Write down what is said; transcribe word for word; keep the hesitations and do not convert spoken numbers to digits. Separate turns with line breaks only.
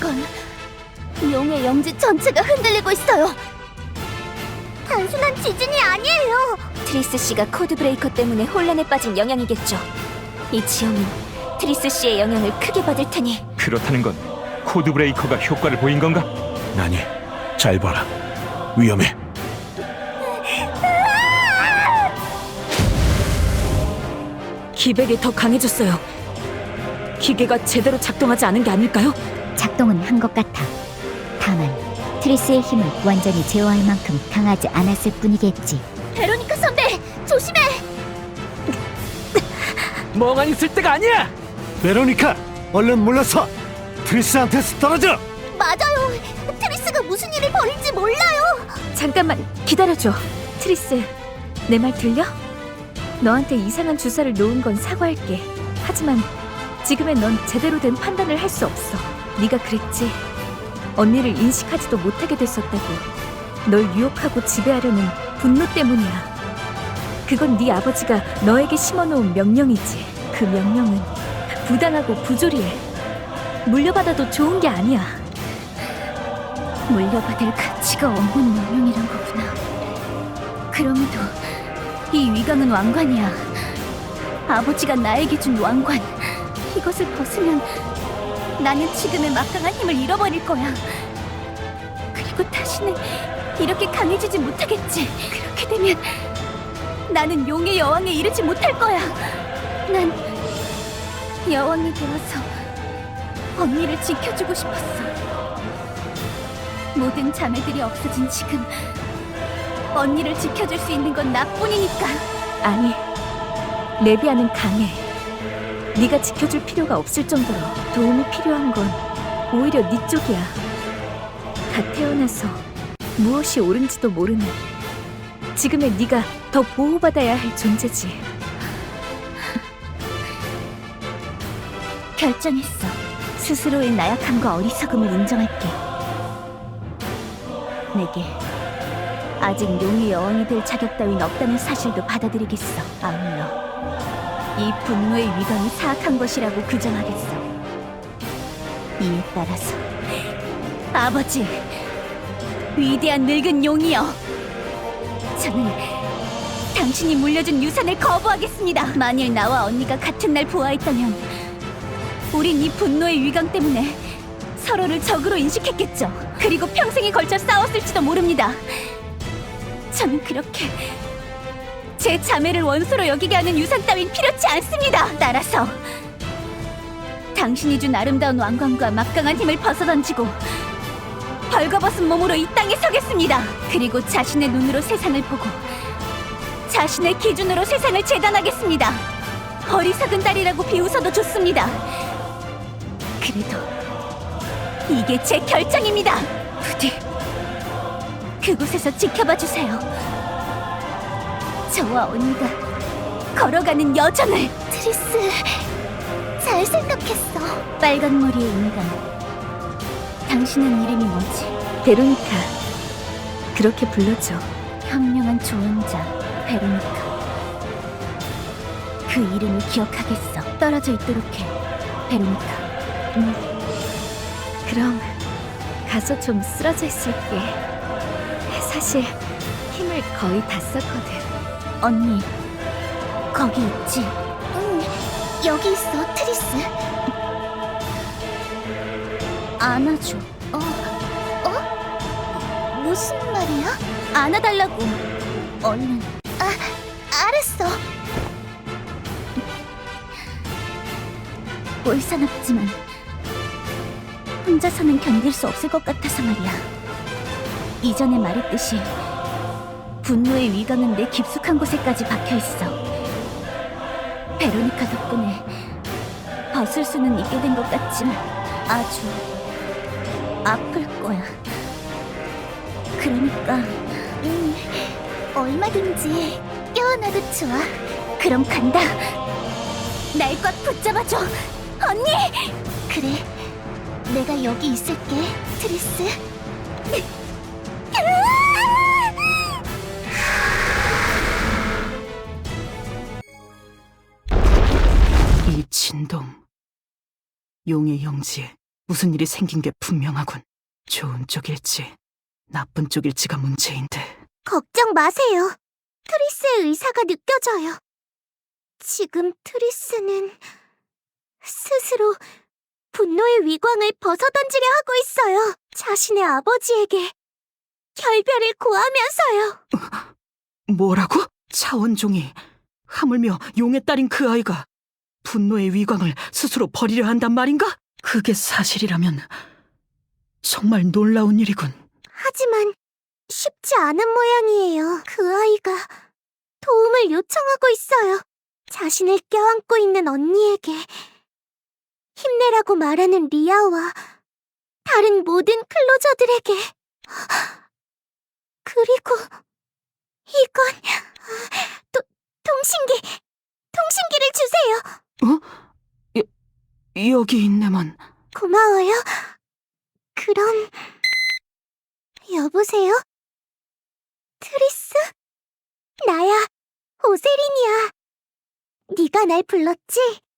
이런... 용의 영지 전체가 흔들리고 있어요. 단순한 지진이 아니에요. 트리스 씨가 코드 브레이커 때문에 혼란에 빠진 영향이겠죠. 이 지형은 트리스 씨의 영향을 크게 받을 테니.
그렇다는 건 코드 브레이커가 효과를 보인 건가?
아니, 잘 봐라. 위험해.
기백이 더 강해졌어요. 기계가 제대로 작동하지 않은 게 아닐까요?
작동은 한 것 같아. 다만 트리스의 힘을 완전히 제어할 만큼 강하지 않았을 뿐이겠지. 베로니카 선배, 조심해!
멍하니 있을 때가 아니야! 베로니카, 얼른 물러서! 트리스한테서 떨어져!
맞아요. 트리스가 무슨 일을 벌일지 몰라요.
잠깐만 기다려줘. 트리스, 내 말 들려? 너한테 이상한 주사를 놓은 건 사과할게. 하지만 지금의 넌 제대로 된 판단을 할 수 없어. 네가 그랬지. 언니를 인식하지도 못하게 됐었다고. 널 유혹하고 지배하려는 분노 때문이야. 그건 네 아버지가 너에게 심어놓은 명령이지. 그 명령은 부당하고 부조리해. 물려받아도 좋은 게 아니야.
물려받을 가치가 없는 명령이란 거구나. 그럼에도 이 위강은 왕관이야. 아버지가 나에게 준 왕관. 이것을 벗으면 나는 지금의 막강한 힘을 잃어버릴 거야. 그리고 다시는 이렇게 강해지지 못하겠지. 그렇게 되면 나는 용의 여왕에 이르지 못할 거야. 난 여왕이 되어서 언니를 지켜주고 싶었어. 모든 자매들이 없어진 지금 언니를 지켜줄 수 있는 건 나뿐이니까.
아니, 레비아는 강해. 네가 지켜줄 필요가 없을 정도로 도움이 필요한 건 오히려 네 쪽이야. 갓 태어나서 무엇이 옳은지도 모르는 지금의 네가 더 보호받아야 할 존재지.
결정했어. 스스로의 나약함과 어리석음을 인정할게. 내게 아직 용의 여왕이 될 자격 따윈 없다는 사실도 받아들이겠어. 아울러 이 분노의 위강이 사악한 것이라고 규정하겠어. 이에 따라서 아버지, 위대한 늙은 용이여, 저는 당신이 물려준 유산을 거부하겠습니다. 만일 나와 언니가 같은 날 부화했다면 우린 이 분노의 위강 때문에 서로를 적으로 인식했겠죠. 그리고 평생에 걸쳐 싸웠을지도 모릅니다. 저는 그렇게 제 자매를 원수로 여기게 하는 유산 따윈 필요치 않습니다. 따라서 당신이 준 아름다운 왕관과 막강한 힘을 벗어던지고 벌거벗은 몸으로 이 땅에 서겠습니다. 그리고 자신의 눈으로 세상을 보고 자신의 기준으로 세상을 재단하겠습니다. 어리석은 딸이라고 비웃어도 좋습니다. 그래도 이게 제 결정입니다. 부디 그곳에서 지켜봐 주세요. 저와 언니가 걸어가는 여정을. 트리스, 잘 생각했어. 빨간 머리의 인간, 당신은 이름이 뭐지?
베로니카, 그렇게 불러줘.
현명한 조언자 베로니카. 그 이름을 기억하겠어. 떨어져 있도록 해, 베로니카.
음, 그럼 가서 좀 쓰러져 있을게. 사실 힘을 거의 다 썼거든.
언니, 거기 있지? 응, 여기 있어, 트리스. 안아줘. 어, 어? 무슨 말이야? 안아달라고. 얼른. 아, 알았어. 꼴사납지만 혼자서는 견딜 수 없을 것 같아서 말이야. 이전에 말했듯이 분노의 위강은 내 깊숙한 곳에까지 박혀있어. 베로니카 덕분에 벗을 수는 있게 된 것 같지만 아주 아플 거야. 그러니까 음, 얼마든지 껴안아도 좋아. 그럼 간다. 날 꽉 붙잡아줘, 언니! 그래, 내가 여기 있을게, 트리스.
이 진동, 용의 영지에 무슨 일이 생긴 게 분명하군. 좋은 쪽일지 나쁜 쪽일지가 문제인데.
걱정 마세요. 트리스의 의사가 느껴져요. 지금 트리스는 스스로 분노의 위광을 벗어던지려 하고 있어요. 자신의 아버지에게 결별을 고하면서요.
뭐라고? 차원종이, 하물며 용의 딸인 그 아이가 분노의 위광을 스스로 버리려 한단 말인가? 그게 사실이라면 정말 놀라운 일이군.
하지만 쉽지 않은 모양이에요. 그 아이가 도움을 요청하고 있어요. 자신을 껴안고 있는 언니에게 힘내라고 말하는 리아와 다른 모든 클로저들에게. 그리고 이건 도, 통신기, 통신기를 주세요.
어? 여, 여기 있네만.
고마워요. 그럼 여보세요? 트리스? 나야, 오세린이야. 네가 날 불렀지?